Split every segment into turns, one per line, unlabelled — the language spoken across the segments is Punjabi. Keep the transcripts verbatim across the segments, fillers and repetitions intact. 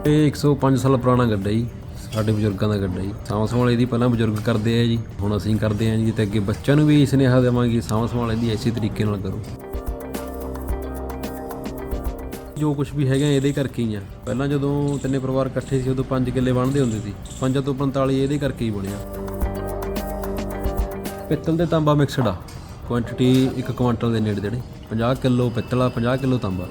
ਇਹ ਇੱਕ ਸੌ ਪੰਜ ਸਾਲ ਪੁਰਾਣਾ ਗੱਡਾ ਜੀ, ਸਾਡੇ ਬਜ਼ੁਰਗਾਂ ਦਾ ਗੱਡਾ ਜੀ। ਸਾਂਭ ਸੰਭਾਲ ਇਹਦੀ ਪਹਿਲਾਂ ਬਜ਼ੁਰਗ ਕਰਦੇ ਆ ਜੀ, ਹੁਣ ਅਸੀਂ ਕਰਦੇ ਹਾਂ ਜੀ। ਤੇ ਅੱਗੇ ਬੱਚਿਆਂ ਨੂੰ ਵੀ ਸੁਨੇਹਾ ਦੇਵਾਂਗੇ, ਸਾਂਭ ਸੰਭਾਲ ਇਹਦੀ ਇਸੇ ਤਰੀਕੇ ਨਾਲ ਕਰੋ। ਜੋ ਕੁਛ ਵੀ ਹੈਗਾ ਇਹਦੇ ਕਰਕੇ ਹੀ ਆ। ਪਹਿਲਾਂ ਜਦੋਂ ਤਿੰਨੇ ਪਰਿਵਾਰ ਇਕੱਠੇ ਸੀ ਉਦੋਂ ਪੰਜ ਕਿੱਲੇ ਬਣਦੇ ਹੁੰਦੇ ਸੀ, ਪੰਜਾਂ ਤੋਂ ਪੰਤਾਲੀ ਇਹਦੇ ਕਰਕੇ ਹੀ ਬਣਿਆ। ਪਿੱਤਲ ਤੇ ਤਾਂਬਾ ਮਿਕਸਡ ਆ, ਕੁਆਂਟੀਟੀ ਇੱਕ ਕੁਆਂਟਲ ਦੇ ਨੇੜੇ ਤੇੜੇ। ਪੰਜਾਹ ਕਿਲੋ ਪਿੱਤਲ ਆ, ਪੰਜਾਹ ਕਿਲੋ ਤਾਂਬਾ।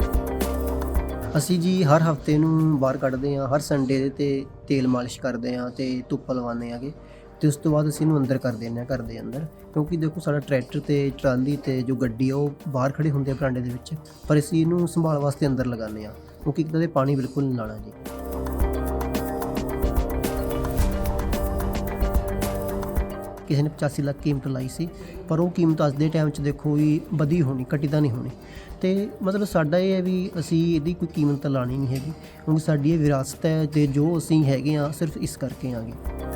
ਅਸੀਂ ਜੀ ਹਰ ਹਫਤੇ ਨੂੰ ਬਾਹਰ ਕੱਢਦੇ ਹਾਂ, ਹਰ ਸੰਡੇ ਦੇ 'ਤੇ ਤੇਲ ਮਾਲਿਸ਼ ਕਰਦੇ ਹਾਂ ਅਤੇ ਧੁੱਪ ਲਗਵਾਉਂਦੇ ਹੈਗੇ। ਅਤੇ ਉਸ ਤੋਂ ਬਾਅਦ ਅਸੀਂ ਇਹਨੂੰ ਅੰਦਰ ਕਰ ਦਿੰਦੇ ਹਾਂ, ਘਰ ਦੇ ਅੰਦਰ। ਕਿਉਂਕਿ ਦੇਖੋ ਸਾਡਾ ਟਰੈਕਟਰ ਅਤੇ ਟਰਾਲੀ ਅਤੇ ਜੋ ਗੱਡੀ ਆ ਉਹ ਬਾਹਰ ਖੜੇ ਹੁੰਦੇ ਆ ਬਰਾਂਡੇ ਦੇ ਵਿੱਚ, ਪਰ ਅਸੀਂ ਇਹਨੂੰ ਸੰਭਾਲ ਵਾਸਤੇ ਅੰਦਰ ਲਗਾਉਂਦੇ ਹਾਂ, ਕਿਉਂਕਿ ਇੱਕ ਤਾਂ ਇਹ ਪਾਣੀ ਬਿਲਕੁਲ ਨਹੀਂ ਲਾਉਣਾ ਜੀ। ਕਿਸੇ ਨੇ ਪਚਾਸੀ ਲੱਖ ਕੀਮਤ ਲਾਈ ਸੀ, ਪਰ ਉਹ ਕੀਮਤ ਅੱਜ ਦੇ ਟਾਈਮ 'ਚ ਦੇਖੋ ਵੀ ਵਧੀ ਹੋਣੀ, ਘਟੀ ਤਾਂ ਨਹੀਂ ਹੋਣੀ। ਅਤੇ ਮਤਲਬ ਸਾਡਾ ਇਹ ਹੈ ਵੀ ਅਸੀਂ ਇਹਦੀ ਕੋਈ ਕੀਮਤ ਤਾਂ ਲਾਉਣੀ ਨਹੀਂ ਹੈਗੀ, ਕਿਉਂਕਿ ਸਾਡੀ ਇਹ ਵਿਰਾਸਤ ਹੈ ਅਤੇ ਜੋ ਅਸੀਂ ਹੈਗੇ ਹਾਂ ਸਿਰਫ ਇਸ ਕਰਕੇ ਆਂਗੇ।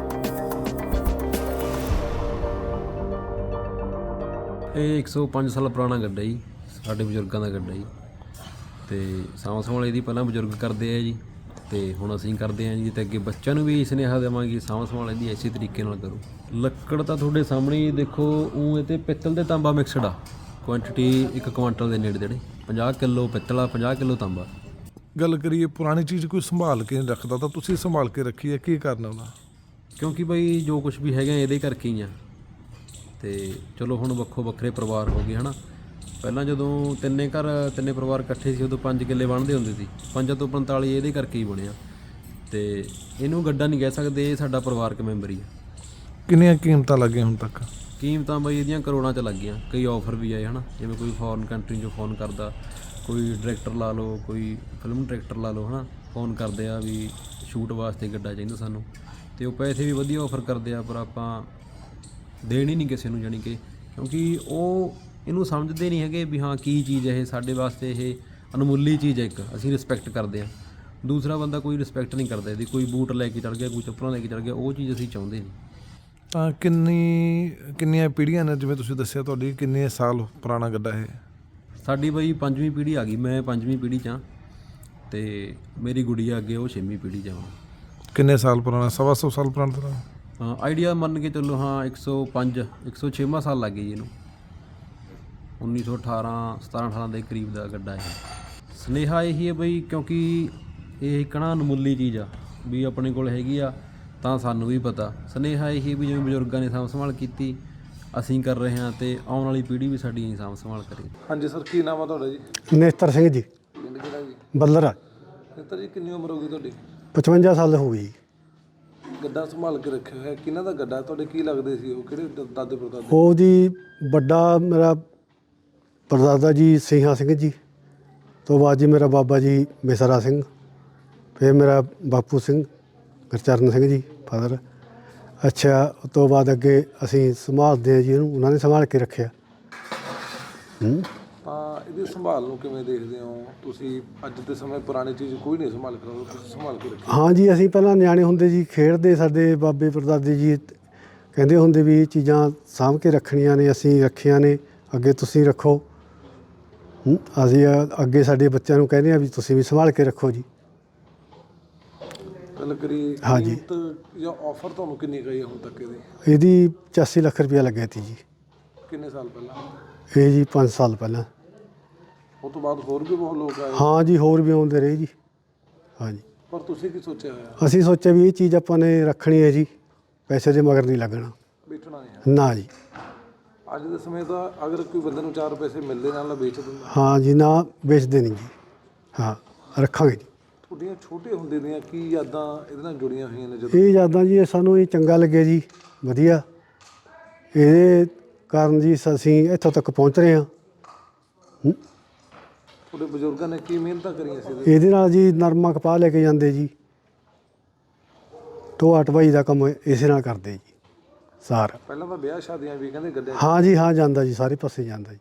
ਇਹ ਇੱਕ ਸੌ ਪੰਜ ਸਾਲ ਪੁਰਾਣਾ ਗੱਡਾ ਜੀ, ਸਾਡੇ ਬਜ਼ੁਰਗਾਂ ਦਾ ਗੱਡਾ ਜੀ। ਅਤੇ ਸਾਂਭ ਸੰਭਾਲ ਇਹਦੀ ਪਹਿਲਾਂ ਬਜ਼ੁਰਗ ਕਰਦੇ ਆ ਜੀ, ਅਤੇ ਹੁਣ ਅਸੀਂ ਕਰਦੇ ਹਾਂ ਜੀ। ਅਤੇ ਅੱਗੇ ਬੱਚਿਆਂ ਨੂੰ ਵੀ ਸੁਨੇਹਾ ਦੇਵਾਂਗੇ, ਸਾਂਭ ਸੰਭਾਲ ਇਹਦੀ ਇਸੇ ਤਰੀਕੇ ਨਾਲ ਕਰੋ। ਲੱਕੜ ਤਾਂ ਤੁਹਾਡੇ ਸਾਹਮਣੇ ਹੀ ਦੇਖੋ, ਉਹ ਇਹ 'ਤੇ ਪਿੱਤਲ ਤੇ ਤਾਂਬਾ ਮਿਕਸਡ ਆ, ਕੁਆਂਟੀਟੀ ਇੱਕ ਕੁਆਂਟਲ ਦੇ ਨੇੜੇ ਤੇੜੇ। ਪੰਜਾਹ ਕਿਲੋ ਪਿੱਤਲ ਆ, ਪੰਜਾਹ ਕਿਲੋ ਤਾਂਬਾ।
ਗੱਲ ਕਰੀਏ ਪੁਰਾਣੀ ਚੀਜ਼ ਕੋਈ ਸੰਭਾਲ ਕੇ ਨਹੀਂ ਰੱਖਦਾ, ਤਾਂ ਤੁਸੀਂ ਸੰਭਾਲ ਕੇ ਰੱਖੀ ਹੈ, ਕੀ ਕਰਨਾ ਉਹਦਾ?
ਕਿਉਂਕਿ ਬਈ ਜੋ ਕੁਛ ਵੀ ਹੈਗਾ ਇਹਦੇ ਕਰਕੇ ਹੀ ਆ। ਅਤੇ ਚਲੋ ਹੁਣ ਵੱਖੋ ਵੱਖਰੇ ਪਰਿਵਾਰ ਹੋ ਗਏ ਹੈ ਨਾ। ਪਹਿਲਾਂ ਜਦੋਂ ਤਿੰਨੇ ਘਰ ਤਿੰਨੇ ਪਰਿਵਾਰ ਇਕੱਠੇ ਸੀ ਉਦੋਂ ਪੰਜ ਕਿੱਲੇ ਬਣਦੇ ਹੁੰਦੇ ਸੀ, ਪੰਜਾਂ ਤੋਂ ਪੰਤਾਲੀ ਇਹਦੇ ਕਰਕੇ ਹੀ ਬਣਿਆ। ਅਤੇ ਇਹਨੂੰ ਗੱਡਾ ਨਹੀਂ ਕਹਿ ਸਕਦੇ, ਇਹ ਸਾਡਾ ਪਰਿਵਾਰਕ ਮੈਂਬਰ ਹੀ ਆ।
ਕਿੰਨੀਆਂ ਕੀਮਤਾਂ ਲੱਗੀਆਂ ਹੁਣ ਤੱਕ?
ਕੀਮਤਾਂ ਬਈ ਇਹਦੀਆਂ ਕਰੋੜਾਂ 'ਚ ਲੱਗ ਗਈਆਂ। ਕਈ ਆਫਰ ਵੀ ਆਏ ਹੈ ਨਾ, ਜਿਵੇਂ ਕੋਈ ਫੋਰਨ ਕੰਟਰੀ 'ਚੋਂ ਫੋਨ ਕਰਦਾ, ਕੋਈ ਡਾਇਰੈਕਟਰ ਲਾ ਲਓ, ਕੋਈ ਫਿਲਮ ਡਾਇਰੈਕਟਰ ਲਾ ਲਓ ਹੈ ਨਾ, ਫੋਨ ਕਰਦੇ ਆ ਵੀ ਸ਼ੂਟ ਵਾਸਤੇ ਗੱਡਾ ਚਾਹੀਦਾ ਸਾਨੂੰ। ਅਤੇ ਉਹ ਪੈਸੇ ਵੀ ਵਧੀਆ ਆਫਰ ਕਰਦੇ ਆ, ਪਰ ਆਪਾਂ ਦੇਣ ਹੀ ਨਹੀਂ ਕਿਸੇ ਨੂੰ, ਜਾਣੀ ਕਿ ਕਿਉਂਕਿ ਉਹ ਇਹਨੂੰ ਸਮਝਦੇ ਨਹੀਂ ਹੈਗੇ ਵੀ ਹਾਂ ਕੀ ਚੀਜ਼ ਹੈ ਇਹ, ਸਾਡੇ ਵਾਸਤੇ ਇਹ ਅਨਮੁੱਲੀ ਚੀਜ਼ ਹੈ। ਇੱਕ ਅਸੀਂ ਰਿਸਪੈਕਟ ਕਰਦੇ ਹਾਂ, ਦੂਸਰਾ ਬੰਦਾ ਕੋਈ ਰਿਸਪੈਕਟ ਨਹੀਂ ਕਰਦਾ ਇਹਦੀ। ਕੋਈ ਬੂਟ ਲੈ ਕੇ ਚੜ੍ਹ ਗਿਆ, ਕੋਈ ਚੱਪਲਾਂ ਲੈ ਕੇ ਚੜ੍ਹ ਗਿਆ, ਉਹ ਚੀਜ਼ ਅਸੀਂ ਚਾਹੁੰਦੇ ਨਹੀਂ।
ਤਾਂ ਕਿੰਨੀ ਕਿੰਨੀਆਂ ਪੀੜ੍ਹੀਆਂ ਨੇ, ਜਿਵੇਂ ਤੁਸੀਂ ਦੱਸਿਆ ਤੁਹਾਡੀ ਕਿੰਨੇ ਸਾਲ ਪੁਰਾਣਾ ਗੱਡਾ ਇਹ?
ਸਾਡੀ ਬਈ ਪੰਜਵੀਂ ਪੀੜ੍ਹੀ ਆ ਗਈ, ਮੈਂ ਪੰਜਵੀਂ ਪੀੜ੍ਹੀ 'ਚ ਹਾਂ, ਅਤੇ ਮੇਰੀ ਗੁੜੀਆ ਅੱਗੇ ਉਹ ਛੇਵੀਂ ਪੀੜ੍ਹੀ 'ਚ ਆ।
ਕਿੰਨੇ ਸਾਲ ਪੁਰਾਣਾ? ਸਵਾ ਸੌ ਸਾਲ ਪੁਰਾਣਾ ਤਰ੍ਹਾਂ?
ਹਾਂ ਆਈਡੀਆ ਮੰਨ ਕੇ ਚੱਲੋ, ਹਾਂ ਇੱਕ ਸੌ ਪੰਜ ਇੱਕ ਸੌ ਛੇਵਾਂ ਸਾਲ ਲੱਗ ਗਈ ਜੀ ਇਹਨੂੰ। ਉੱਨੀ ਸੌ ਅਠਾਰਾਂ ਸਤਾਰਾਂ ਅਠਾਰਾਂ ਦੇ ਕਰੀਬ ਦਾ ਗੱਡਾ ਇਹ। ਸੁਨੇਹਾ ਇਹੀ ਹੈ ਬਈ, ਕਿਉਂਕਿ ਇਹ ਇੱਕ ਨਾ ਅਨਮੁੱਲੀ ਚੀਜ਼ ਆ, ਵੀ ਆਪਣੇ ਕੋਲ ਹੈਗੀ ਆ ਤਾਂ ਸਾਨੂੰ ਵੀ ਪਤਾ। ਸੁਨੇਹਾ ਇਹੀ ਵੀ ਜਿਵੇਂ ਬਜ਼ੁਰਗਾਂ ਨੇ ਸਾਂਭ ਸੰਭਾਲ ਕੀਤੀ, ਅਸੀਂ ਕਰ ਰਹੇ ਹਾਂ, ਅਤੇ ਆਉਣ ਵਾਲੀ ਪੀੜ੍ਹੀ ਵੀ ਸਾਡੀ ਸਾਂਭ ਸੰਭਾਲ ਕਰੇ।
ਹਾਂਜੀ ਸਰ, ਕੀ ਨਾਮ ਆ ਤੁਹਾਡਾ ਜੀ?
ਨੇਤਰ ਸਿੰਘ ਜੀ,
ਪਿੰਡ ਕਿਹੜਾ ਜੀ?
ਬੱਲਰਾ।
ਨੇਤਰ ਜੀ, ਕਿੰਨੀ ਉਮਰ ਹੋ ਗਈ ਤੁਹਾਡੀ?
ਪਚਵੰਜਾ ਸਾਲ ਹੋ ਗਈ।
ਗੱਡਾ ਸੰਭਾਲ ਕੇ ਰੱਖਿਆ ਹੋਇਆ, ਕਿਹਨਾਂ ਦਾ ਗੱਡਾ? ਤੁਹਾਡੇ ਕੀ ਲੱਗਦੇ ਸੀ ਉਹ? ਕਿਹੜੇ ਦ- ਦਾਦੇ ਪੜਦਾਦੇ?
ਉਹ ਜੀ ਵੱਡਾ ਮੇਰਾ ਪਰਦਾਦਾ ਜੀ ਸਿੰਘਾ ਸਿੰਘ ਜੀ, ਤੋਂ ਬਾਅਦ ਜੀ ਮੇਰਾ ਬਾਬਾ ਜੀ ਮਿਸਰਾ ਸਿੰਘ, ਫਿਰ ਮੇਰਾ ਬਾਪੂ ਸਿੰਘ ਗੁਰਚਰਨ ਸਿੰਘ ਜੀ ਫਾਦਰ। ਅੱਛਾ, ਉਸ ਤੋਂ ਬਾਅਦ ਅੱਗੇ ਅਸੀਂ ਸੰਭਾਲਦੇ ਹਾਂ ਜੀ ਇਹਨੂੰ, ਉਹਨਾਂ ਨੇ ਸੰਭਾਲ ਕੇ ਰੱਖਿਆ। ਹੂੰ
ਤਾਂ ਇਹਦੀ ਸੰਭਾਲ ਨੂੰ ਕਿਵੇਂ ਦੇਖਦੇ ਹੋ ਤੁਸੀਂ? ਅੱਜ ਦੇ ਸਮੇਂ ਪੁਰਾਣੀ ਚੀਜ਼ ਕੋਈ ਨਹੀਂ ਸੰਭਾਲ ਕੇ ਰੱਖਦਾ, ਤੁਸੀਂ ਸੰਭਾਲ ਕੇ ਰੱਖੀ।
ਹਾਂ ਜੀ, ਅਸੀਂ ਪਹਿਲਾਂ ਨਿਆਣੇ ਹੁੰਦੇ ਜੀ ਖੇਡਦੇ, ਸਾਡੇ ਬਾਬੇ ਪੜਦਾਦੇ ਜੀ ਕਹਿੰਦੇ ਹੁੰਦੇ ਵੀ ਇਹ ਚੀਜ਼ਾਂ ਸਾਂਭ ਕੇ ਰੱਖਣੀਆਂ ਨੇ, ਅਸੀਂ ਰੱਖੀਆਂ ਨੇ, ਅੱਗੇ ਤੁਸੀਂ ਰੱਖੋ। ਹੂੰ ਅਸੀਂ ਅੱਗੇ ਸਾਡੇ ਬੱਚਿਆਂ ਨੂੰ ਕਹਿੰਦੇ ਆ ਵੀ ਤੁਸੀਂ ਵੀ ਸੰਭਾਲ ਕੇ ਰੱਖੋ ਜੀ।
ਗੱਲ ਕਰੀ
ਹਾਂਜੀ।
ਕੀਮਤ ਜਾਂ ਆਫਰ ਤੁਹਾਨੂੰ ਕਿੰਨੀ ਗਈ ਹੁਣ ਤੱਕ ਇਹਦੀ?
ਇਹਦੀ ਪਚਾਸੀ ਲੱਖ ਰੁਪਇਆ ਲੱਗਿਆ ਤੀ ਜੀ।
ਕਿੰਨੇ ਸਾਲ ਪਹਿਲਾਂ?
ਇਹ ਜੀ ਪੰਜ ਸਾਲ ਪਹਿਲਾਂ।
ਉਸ ਤੋਂ ਬਾਅਦ ਹੋਰ ਵੀ ਬਹੁਤ ਲੋਕ ਆਏ?
ਹਾਂ ਜੀ, ਹੋਰ ਵੀ ਆਉਂਦੇ ਰਹੇ ਜੀ। ਹਾਂਜੀ,
ਪਰ ਤੁਸੀਂ ਕੀ ਸੋਚਿਆ ਹੋਇਆ?
ਅਸੀਂ ਸੋਚਿਆ ਵੀ ਇਹ ਚੀਜ਼ ਆਪਾਂ ਨੇ ਰੱਖਣੀ ਹੈ ਜੀ, ਪੈਸੇ ਦੇ ਮਗਰ ਨਹੀਂ ਲੱਗਣਾ।
ਵੇਚਣਾ ਨਹੀਂ ਹੈ?
ਨਾ ਜੀ।
ਅੱਜ ਦੇ ਸਮੇਂ ਤਾਂ ਅਗਰ ਕੋਈ ਬੰਦੇ ਨੂੰ ਚਾਰ ਪੈਸੇ ਮਿਲਦੇ ਨਾਲ ਵੇਚ ਦਿੰਦਾ।
ਹਾਂ ਜੀ, ਨਾ ਵੇਚਦੇ ਨਹੀਂ ਜੀ। ਹਾਂ, ਰੱਖਾਂਗੇ ਜੀ।
ਤੁਹਾਡੀਆਂ ਛੋਟੇ ਹੁੰਦੇ ਦੀਆਂ ਕੀ ਯਾਦਾਂ ਇਹਦੇ ਨਾਲ ਜੁੜੀਆਂ ਹੋਈਆਂ ਨੇ? ਜਦੋਂ
ਇਹ ਯਾਦਾਂ ਜੀ ਸਾਨੂੰ ਇਹ ਚੰਗਾ ਲੱਗਿਆ ਜੀ, ਵਧੀਆ। ਇਹਦੇ ਕਾਰਨ ਜੀ ਅਸੀਂ ਇੱਥੋਂ ਤੱਕ ਪਹੁੰਚ ਰਹੇ ਹਾਂ। ਹੂੰ
ਤੁਹਾਡੇ ਬਜ਼ੁਰਗਾਂ ਨੇ ਕੀ ਮਿਹਨਤਾਂ ਕਰੀਆਂ ਸੀ ਇਹਦੇ?
ਇਹਦੇ ਨਾਲ ਜੀ ਨਰਮਾ ਕਪਾਹ ਲੈ ਕੇ ਜਾਂਦੇ ਜੀ, ਢੋਆ ਢਵਾਈ ਦਾ ਕੰਮ ਇਸੇ ਨਾਲ ਕਰਦੇ ਜੀ ਸਾਰਾ।
ਪਹਿਲਾਂ ਤਾਂ ਵਿਆਹ ਸ਼ਾਦੀਆਂ ਵੀ ਕਹਿੰਦੇ ਗੱਡੇ।
ਹਾਂ ਜੀ, ਹਾਂ ਜਾਂਦਾ ਜੀ, ਸਾਰੇ ਪਾਸੇ ਜਾਂਦਾ ਜੀ।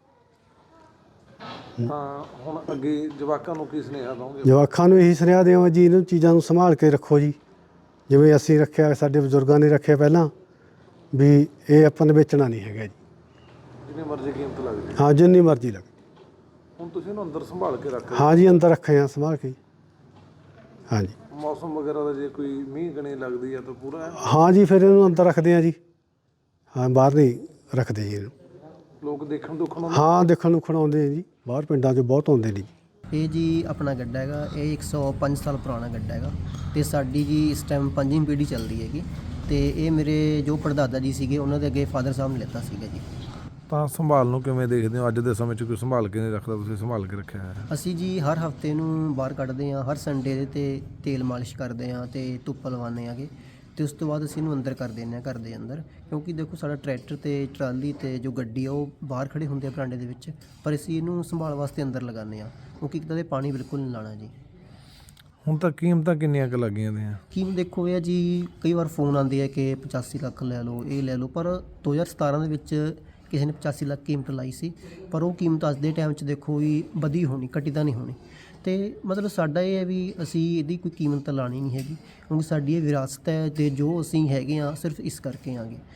ਤਾਂ ਹੁਣ ਅੱਗੇ ਜਵਾਕਾਂ ਨੂੰ ਕੀ ਸੁਨੇਹਾ ਦਓਗੇ?
ਜਵਾਕਾਂ ਨੂੰ ਇਹੀ ਸੁਨੇਹਾ ਦੇਵਾਂ ਜੀ, ਇਹਨਾਂ ਚੀਜ਼ਾਂ ਨੂੰ ਸੰਭਾਲ ਕੇ ਰੱਖੋ ਜੀ, ਜਿਵੇਂ ਅਸੀਂ ਰੱਖਿਆ, ਸਾਡੇ ਬਜ਼ੁਰਗਾਂ ਨੇ ਰੱਖਿਆ ਪਹਿਲਾਂ, ਵੀ ਇਹ ਆਪਾਂ ਨੇ ਵੇਚਣਾ ਨਹੀਂ ਹੈਗਾ ਜੀ।
ਜਿੰਨੀ ਮਰਜ਼ੀ ਕੀਮਤ ਲੱਗ ਜਾਏ?
ਹਾਂ, ਜਿੰਨੀ ਮਰਜ਼ੀ ਲੱਗੇ।
ਹੁਣ ਤੁਸੀਂ ਇਹਨੂੰ ਅੰਦਰ ਸੰਭਾਲ ਕੇ ਰੱਖ ਰਹੇ ਹੋ?
ਹਾਂ ਜੀ, ਅੰਦਰ ਰੱਖੇ ਆ ਸੰਭਾਲ ਕੇ। ਹਾਂਜੀ
ਮੌਸਮ ਵਗੈਰਾ ਦਾ ਜੇ ਕੋਈ ਮੀਂਹ ਕਣੀ ਲੱਗਦੀ ਆ ਤਾਂ ਪੂਰਾ ਹੈ?
ਹਾਂ ਜੀ, ਫਿਰ ਇਹਨੂੰ ਅੰਦਰ ਰੱਖਦੇ ਆ ਜੀ। ਹਾਂ, ਬਾਹਰ ਨਹੀਂ ਰੱਖਦੇ ਜੀ ਇਹਨੂੰ।
ਲੋਕ ਦੇਖਣ ਦੁੱਖਣ ਆਉਂਦੇ?
ਹਾਂ, ਦੇਖਣ ਨੂੰ ਆਉਂਦੇ ਆ ਜੀ, ਬਾਹਰ ਪਿੰਡਾਂ 'ਚ ਬਹੁਤ ਆਉਂਦੇ ਨੇ ਜੀ।
ਇਹ ਜੀ ਆਪਣਾ ਗੱਡਾ ਹੈਗਾ, ਇਹ ਇੱਕ ਸੌ ਪੰਜ ਸਾਲ ਪੁਰਾਣਾ ਗੱਡਾ ਹੈਗਾ ਤੇ ਸਾਡੀ ਜੀ ਇਸ ਟਾਈਮ ਪੰਜਵੀਂ ਪੀੜ੍ਹੀ ਚੱਲਦੀ ਹੈਗੀ ਤੇ ਇਹ ਮੇਰੇ ਜੋ ਪੜਦਾਦਾ ਜੀ ਸੀਗੇ ਉਹਨਾਂ ਦੇ ਅੱਗੇ ਫਾਦਰ ਸਾਹਿਬ ਨੇ ਲਿੱਤਾ ਸੀਗਾ ਜੀ।
ਤਾਂ ਸੰਭਾਲ ਨੂੰ ਕਿਵੇਂ ਦੇਖਦੇ ਹੋ? ਅੱਜ ਦੇ ਸਮੇਂ 'ਚ ਕੋਈ ਸੰਭਾਲ ਕੇ ਨਹੀਂ ਰੱਖਦਾ, ਤੁਸੀਂ ਸੰਭਾਲ ਕੇ ਰੱਖਿਆ ਹੈ।
ਅਸੀਂ ਜੀ ਹਰ ਹਫਤੇ ਨੂੰ ਬਾਹਰ ਕੱਢਦੇ ਹਾਂ, ਹਰ ਸੰਡੇ ਦੇ ਤੇ ਤੇਲ ਮਾਲਿਸ਼ ਕਰਦੇ ਹਾਂ ਤੇ ਧੁੱਪ ਲਵਾਉਂਦੇ ਆਗੇ ਤੇ ਉਸ ਤੋਂ ਬਾਅਦ ਅਸੀਂ ਇਹਨੂੰ ਅੰਦਰ ਕਰ ਦਿੰਦੇ ਹਾਂ, ਘਰ ਦੇ ਅੰਦਰ। ਕਿਉਂਕਿ ਦੇਖੋ ਸਾਡਾ ਟਰੈਕਟਰ ਤੇ ਟਰਾਲੀ ਤੇ ਜੋ ਗੱਡੀ ਆ ਉਹ ਬਾਹਰ ਖੜੇ ਹੁੰਦੇ ਆ ਬਰਾਂਡੇ ਦੇ ਵਿੱਚ, ਪਰ ਅਸੀਂ ਇਹਨੂੰ ਸੰਭਾਲ ਵਾਸਤੇ ਅੰਦਰ ਲਗਾਉਂਦੇ ਹਾਂ ਕਿਉਂਕਿ ਇੱਕ ਤਾਂ ਦੇ ਪਾਣੀ ਬਿਲਕੁਲ ਨਹੀਂ ਲਾਣਾ ਜੀ।
ਹੁਣ ਤਾਂ ਕੀਮਤਾਂ ਕਿੰਨੀਆਂ ਕੁ ਲੱਗੀਆਂ ਦੀਆਂ?
ਕੀਮਤ ਦੇਖੋ ਇਹ ਆ ਜੀ, ਕਈ ਵਾਰ ਫੋਨ ਆਉਂਦੇ ਆ ਕਿ ਪਚਾਸੀ ਲੱਖ ਲੈ ਲਓ, ਇਹ ਲੈ ਲਓ, ਪਰ ਦੋ ਹਜ਼ਾਰ ਸਤਾਰਾਂ ਦੇ ਵਿੱਚ ਕਿਸੇ ਨੇ ਪਚਾਸੀ ਲੱਖ ਕੀਮਤ ਲਾਈ ਸੀ, ਪਰ ਉਹ ਕੀਮਤ ਅੱਜ ਦੇ ਟਾਈਮ 'ਚ ਦੇਖੋ ਵੀ ਵਧੀ ਹੋਣੀ, ਘਟੀ ਤਾਂ ਨਹੀਂ ਹੋਣੀ। ਅਤੇ ਮਤਲਬ ਸਾਡਾ ਇਹ ਹੈ ਵੀ ਅਸੀਂ ਇਹਦੀ ਕੋਈ ਕੀਮਤ ਤਾਂ ਲਾਣੀ ਨਹੀਂ ਹੈਗੀ ਕਿਉਂਕਿ ਸਾਡੀ ਇਹ ਵਿਰਾਸਤ ਹੈ ਅਤੇ ਜੋ ਅਸੀਂ ਹੈਗੇ ਹਾਂ ਸਿਰਫ ਇਸ ਕਰਕੇ ਆਂਗੇ।